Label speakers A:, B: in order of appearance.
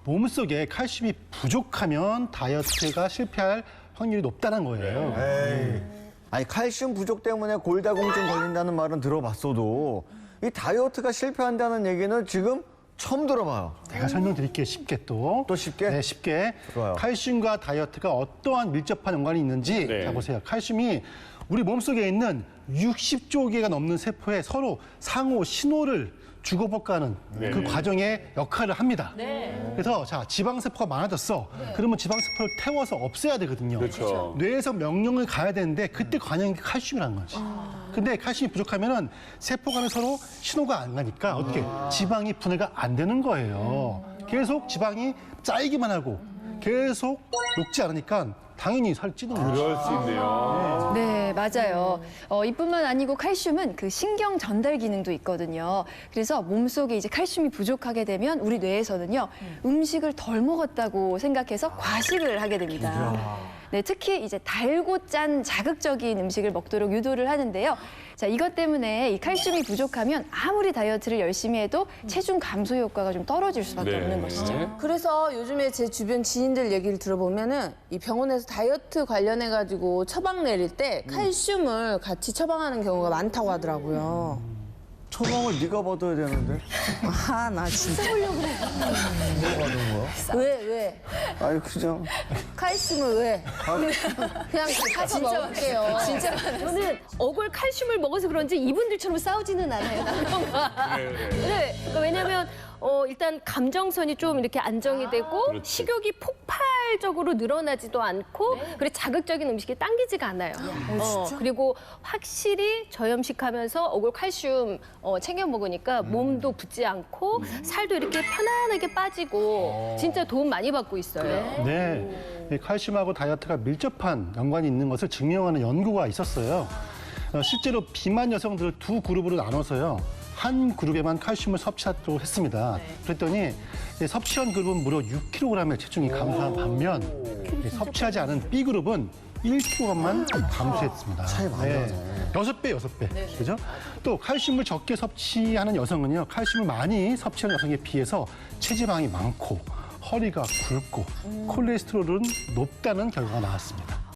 A: 몸속에 칼슘이 부족하면 다이어트가 실패할 확률이 높다는 거예요.
B: 아니 칼슘 부족 때문에 골다공증 걸린다는 말은 들어봤어도 이 다이어트가 실패한다는 얘기는 지금 처음 들어봐요.
A: 제가 설명드릴게요. 쉽게 또.
B: 또 쉽게?
A: 네, 쉽게.
B: 좋아요.
A: 칼슘과 다이어트가 어떠한 밀접한 연관이 있는지 자 보세요. 칼슘이 우리 몸속에 있는 60조 개가 넘는 세포에 서로 상호 신호를 주고받고하는 그 과정에 역할을 합니다. 그래서 자 지방세포가 많아졌어. 그러면 지방세포를 태워서 없애야 되거든요.
C: 그렇죠.
A: 뇌에서 명령을 가야 되는데 그때 관여한 게 칼슘이라는 거지. 근데 칼슘이 부족하면은 세포 간에 서로 신호가 안 가니까 어떻게 지방이 분해가 안 되는 거예요. 계속 지방이 쌓이기만 하고 계속 녹지 않으니까 당연히 살이 찌는 거죠.
C: 그럴 수 있네요.
D: 네, 맞아요. 이뿐만 아니고 칼슘은 그 신경 전달 기능도 있거든요. 그래서 몸속에 이제 칼슘이 부족하게 되면 우리 뇌에서는요, 음식을 덜 먹었다고 생각해서 과식을 하게 됩니다. 네, 특히 이제 달고 짠 자극적인 음식을 먹도록 유도를 하는데요. 자, 이것 때문에 이 칼슘이 부족하면 아무리 다이어트를 열심히 해도 체중 감소 효과가 좀 떨어질 수밖에 없는 것이죠.
E: 그래서 요즘에 제 주변 지인들 얘기를 들어보면은 이 병원에서 다이어트 관련해가지고 처방 내릴 때 칼슘을 같이 처방하는 경우가 많다고 하더라고요.
B: 처방을 네가 받아야 되는데.
E: 아, 나 진짜. 써보려고 그래.
B: 뭐 받은 거야?
E: 왜?
B: 아니 그죠.
E: 칼슘을 왜? 그냥 가서 먹을게요.
D: 진짜
F: 저는 어골 칼슘을 먹어서 그런지 이분들처럼 싸우지는 않아요, 남편과. 네, 그러니까 왜냐면 일단 감정선이 좀 이렇게 안정이 되고 식욕이 폭발적으로 늘어나지도 않고 그리고 자극적인 음식이 당기지가 않아요. 그리고 확실히 저염식하면서 어골 칼슘 챙겨 먹으니까 몸도 붓지 않고 살도 이렇게 편안하게 빠지고 진짜 도움 많이 받고 있어요.
A: 네, 이 칼슘하고 다이어트가 밀접한 연관이 있는 것을 증명하는 연구가 있었어요. 실제로 비만 여성들을 두 그룹으로 나눠서요. 한 그룹에만 칼슘을 섭취하도록 했습니다. 그랬더니 섭취한 그룹은 무려 6kg의 체중이 감소한 반면 섭취하지 않은 B그룹은 1kg만 감소했습니다.
B: 차이 많이 나네.
A: 6배. 그죠? 또 칼슘을 적게 섭취하는 여성은요. 칼슘을 많이 섭취하는 여성에 비해서 체지방이 많고 허리가 굵고 콜레스테롤은 높다는 결과가 나왔습니다.